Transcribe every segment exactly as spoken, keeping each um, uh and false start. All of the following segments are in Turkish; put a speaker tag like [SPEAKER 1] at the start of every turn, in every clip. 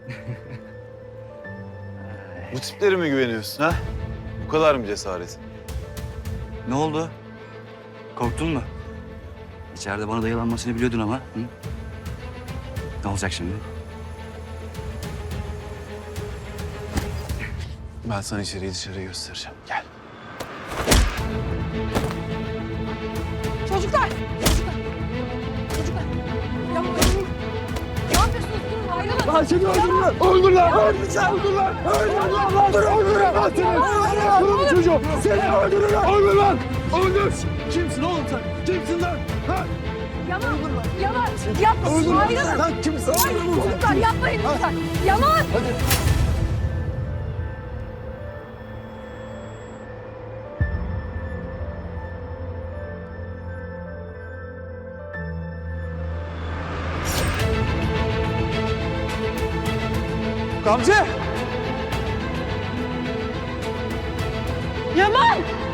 [SPEAKER 1] Bu tiplere mi güveniyorsun ha? Bu kadar mı cesaret?
[SPEAKER 2] Ne oldu? Korktun mu? İçeride bana dayalanmasını biliyordun ama. Hı? Ne olacak şimdi?
[SPEAKER 1] Ben sana içeriği dışarıya göstereceğim. Gel.
[SPEAKER 3] Çocuklar! Çocuklar! Çocuklar! Yapmayın! Ne yapıyorsunuz? Durun, ayrılın!
[SPEAKER 4] Lan seni öldürürler! Öldürürler! Öldürürler! Öldürürler! Öldürürler! Öldürürler! Lan seni! Öldürürler çocuğum! Seni öldürürler! Öldür lan! Öldür! Kimsin oğlum sen? Kimsin lan? Ha?
[SPEAKER 3] Yaman! Yaman! Yapma!
[SPEAKER 4] Öldür lan!
[SPEAKER 3] Ayrılın!
[SPEAKER 4] Lan kimsin?
[SPEAKER 3] Ayrılın çocuklar! Yapmayın lütfen! Yaman!
[SPEAKER 4] Hadi! Gamze!
[SPEAKER 3] Yaman!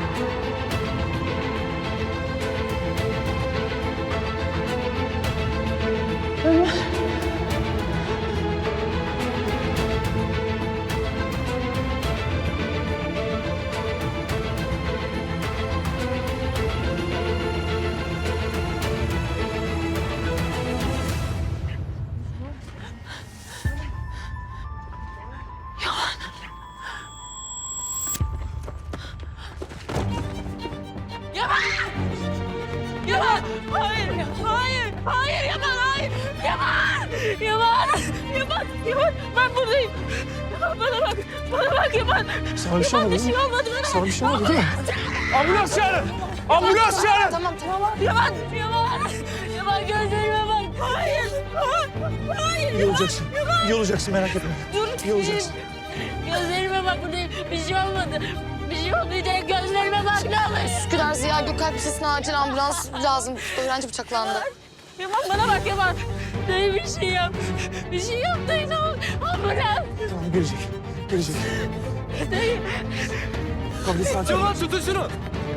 [SPEAKER 3] Yaman! Yaman! Hayır! Hayır! Hayır Yaman! Hayır! Yaman! Yaman! Yaman! Yaman! Ben buradayım! Yaman bana bak! Bana bak Yaman!
[SPEAKER 4] Sana bir şey
[SPEAKER 3] Yaman
[SPEAKER 4] olmadı
[SPEAKER 3] bir şey olmadı bana!
[SPEAKER 4] Sana bir şey olmadı değil mi? Ambulans çağırın! Ambulans çağırın!
[SPEAKER 3] Tamam tamam. Yaman! Yaman! Yaman gözlerime bak! Hayır! Hayır!
[SPEAKER 4] İyi olacaksın. İyi olacaksın merak etme.
[SPEAKER 3] Dur!
[SPEAKER 4] İyi olacaksın.
[SPEAKER 3] Gözlerime bak buradayım. Bir şey olmadı. Bir şey olmayacak. Gözlerime bak ne olur.
[SPEAKER 5] Üsküdar Ziya Gökalp Lisesi'ne acil ambulans lazım. Öğrenci bıçaklandı.
[SPEAKER 3] Yaman bana bak Yaman. Dayı bir şey yap. Bir şey yap dayı ne olur. Ambulans.
[SPEAKER 4] Tamam gelecek. Gelecek.
[SPEAKER 3] Dayı.
[SPEAKER 4] Gamze sakin ol.
[SPEAKER 2] tutun şunu!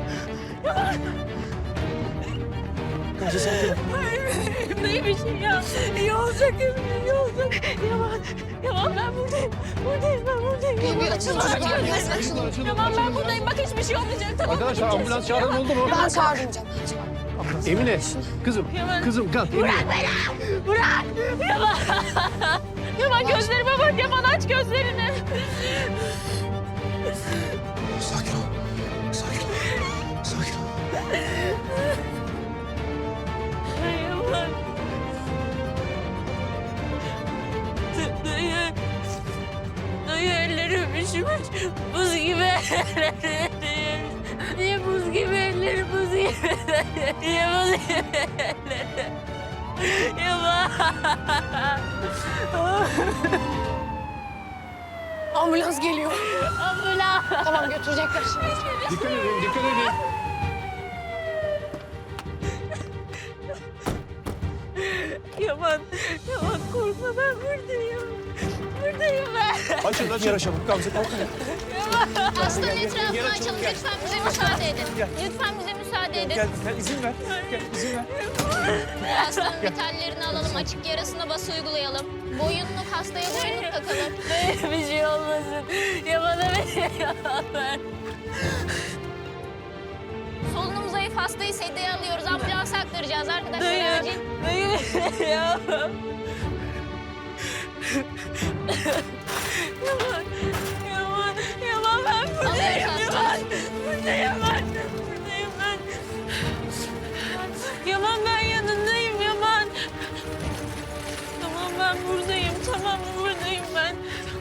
[SPEAKER 4] Gamze sakin ol.
[SPEAKER 3] Dayı bir şey yap. İyi olacak eminim iyi olacak. Yaman. Yaman ben buradayım. Buradayım ben buradayım.
[SPEAKER 5] Bir, bir açılın
[SPEAKER 3] Yaman,
[SPEAKER 5] çocuklar.
[SPEAKER 3] gözlerim-
[SPEAKER 5] Gözünü açılın.
[SPEAKER 3] Yaman ben buradayım. Bak hiçbir şey olmayacak. Tamam mı?
[SPEAKER 4] Arkadaşlar ambulans çağıran oldu mu?
[SPEAKER 5] Ben çağırdım canım. Ben çağırdım.
[SPEAKER 4] Emine. Kızım.
[SPEAKER 3] Yaman.
[SPEAKER 4] Kızım kalk Emine.
[SPEAKER 3] Bırak! Yaman! Yaman gözlerime bak Yaman aç gözlerini.
[SPEAKER 4] Sakin ol. Sakin ol. Sakin ol.
[SPEAKER 3] Yaman. Dayı. Dayı ellerim üşümüş. Buz gibi ellerim. Niye buz gibi ellerim buz gibi? Niye buz gibi ellerim? Yaman.
[SPEAKER 5] Ambulans geliyor.
[SPEAKER 3] Ambulans.
[SPEAKER 5] Tamam götürecekler şimdi.
[SPEAKER 4] Dikkat edin, dikkat edin.
[SPEAKER 3] Yaman. Yaman korkma ben buradayım. Buradayım ben.
[SPEAKER 4] Açın, açın. Yara çabuk. Gamze kalk.
[SPEAKER 6] Hastanın etrafını açalım. Lütfen bize müsaade edin. Lütfen bize müsaade edin.
[SPEAKER 4] Gel, gel izin ver. Gel, izin ver.
[SPEAKER 6] Hastanın vitallerini alalım. Açık yarasına bası uygulayalım. Boyunluk hastaya boyunluk takalım.
[SPEAKER 3] Bir şey olmasın. Yaman'a bir şey olmasın.
[SPEAKER 6] Solunum zayıf hastayı sedyeye alıyoruz. Ambulansa aktaracağız arkadaşlar.
[SPEAKER 3] Dayı.
[SPEAKER 6] Acil.
[SPEAKER 3] Dayı. Ya. Yaman. Yaman. Yaman ben buradayım.
[SPEAKER 6] Alıyoruz
[SPEAKER 3] Yaman.
[SPEAKER 6] hastayı.
[SPEAKER 3] Buradayım ben. Buradayım ben. Yaman ben yanındayım Yaman. Tamam ben buradayım. Tamam buradayım ben.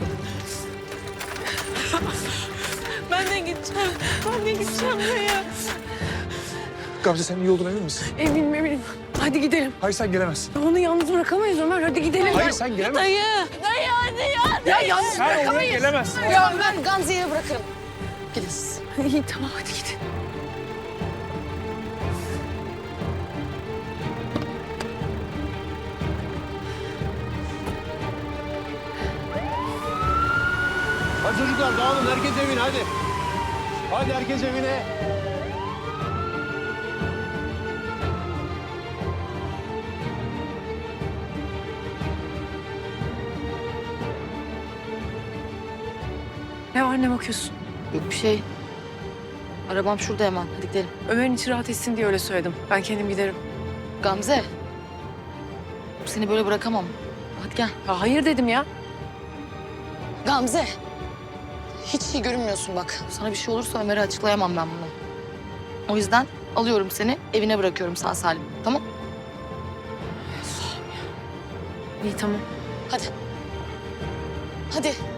[SPEAKER 3] Ben de gideceğim. Ben de gideceğim dayı.
[SPEAKER 4] Gamze sen iyi olduğuna emin misin?
[SPEAKER 3] Eminim eminim. Hadi gidelim.
[SPEAKER 4] Hayır sen gelemezsin.
[SPEAKER 3] Onu yalnız bırakamayız Ömer. Hadi gidelim.
[SPEAKER 4] Hayır sen gelemezsin.
[SPEAKER 3] Dayı. Dayı hadi ya.
[SPEAKER 5] Ya yalnız
[SPEAKER 4] Sen oraya
[SPEAKER 5] bırakamayız.
[SPEAKER 4] gelemezsin.
[SPEAKER 5] Ya ben Gamze'yi bırakırım. Gidin siz.
[SPEAKER 3] İyi tamam hadi gidin.
[SPEAKER 4] Hadi çocuklar dağılın. Herkes evine hadi. Hadi herkes evine.
[SPEAKER 3] Ne var ne bakıyorsun?
[SPEAKER 5] Yok bir şey. Arabam şurada hemen. Hadi gidelim.
[SPEAKER 3] Ömer'in içi rahat etsin diye öyle söyledim. Ben kendim giderim.
[SPEAKER 5] Gamze. Seni böyle bırakamam. Hadi gel.
[SPEAKER 3] Ya hayır dedim ya.
[SPEAKER 5] Gamze. Hiç iyi görünmüyorsun bak. Sana bir şey olursa Ömer'e açıklayamam ben bunu. O yüzden alıyorum seni, evine bırakıyorum sağ salim. Tamam?
[SPEAKER 3] İyi tamam.
[SPEAKER 5] Hadi. Hadi.